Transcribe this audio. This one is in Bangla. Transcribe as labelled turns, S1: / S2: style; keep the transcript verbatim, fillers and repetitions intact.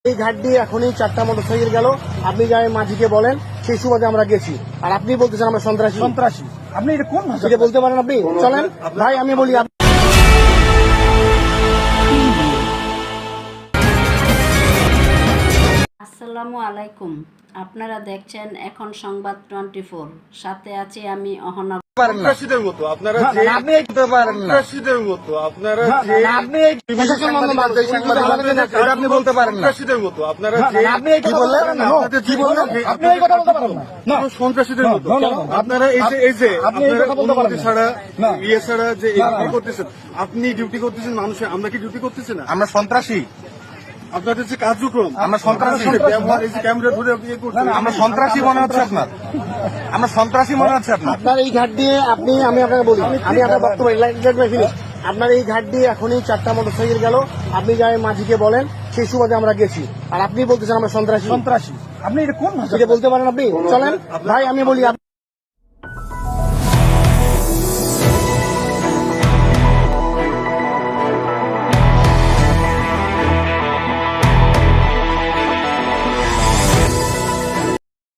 S1: এই ঘাট দিয়ে এখনই চারটা মোটরসাইকেল গেল, আপনি যাই মাঝিকে বলেন, সেই সুবাদে আমরা গেছি। আর আপনি বলতেছেন আমরা সন্ত্রাসী।
S2: সন্ত্রাসী আপনি এটা কোন ভাষা
S1: এটা বলতে পারেন আপনি? চলেন ভাই, আমি বলি
S3: আসসালামু আলাইকুম, আপনারা দেখছেন এখন সংবাদ টোয়েন্টি ফোর। সাথে আছি আমি অহনা।
S4: সন্ত্রাসীদের মতো আপনারা
S2: না,
S4: যে
S2: না, আপনি এই করতে পারেন না।
S4: সন্ত্রাসীদের মতো আপনারা
S2: না,
S4: যে
S2: না, আপনি এই
S1: প্রশাসন বন্ধ বাদ দেয়, সেই সুযোগ আমাদের না।
S2: এটা আপনি বলতে পারেন না।
S4: সন্ত্রাসীদের মতো আপনারা
S2: না,
S4: যে
S2: না, আপনি এই কথা বলতে পারেন না।
S4: আপনাদের
S2: কি
S4: যে-
S2: বললেন? আপনি এই কথা বলতে পারেন না। না।
S4: পুরো সন্ত্রাসীদের
S2: না,
S4: মতো
S2: না, না, না।
S4: আপনারা এই যে এই যে
S2: আপনি এই
S4: আপনারা
S2: কথা বলতে পারেন
S4: অনুমতি
S2: না।
S4: ছাড়া
S2: না।
S4: ইয়ে ছাড়া যে
S2: না, না,
S4: ডিউটি
S2: না।
S4: করতেছেন, আপনি ডিউটি করতেছেন মানুষের, আমরা কি ডিউটি করতেছি না?
S2: আমরা সন্ত্রাসী
S4: আপনাদের যে কার্যক্রম,
S2: আমরা সন্ত্রাসী।
S4: আপনাদের ব্যবহার, এই যে ক্যামেরা ধরে আপনি ইয়ে করছেন,
S2: আমরা সন্ত্রাসী মনে হচ্ছে আপনার আমরা সন্ত্রাসী মনে হচ্ছে আপনার
S1: আপনার এই ঘাট দিয়ে আপনি, আমি আপনাকে বলি, আমি আপনার বক্তব্য ফিনিশ। আপনার এই ঘাট দিয়ে এখনই চারটা মোটরসাইকেল গেল, আপনি যাই মাঝিকে বলেন, সেই সুবাদে আমরা গেছি। আর আপনি বলতেছেন আমরা সন্ত্রাসী।
S2: সন্ত্রাসী আপনি এটা কোন ভাষা
S1: এটা বলতে পারেন আপনি? চলেন ভাই, আমি বলি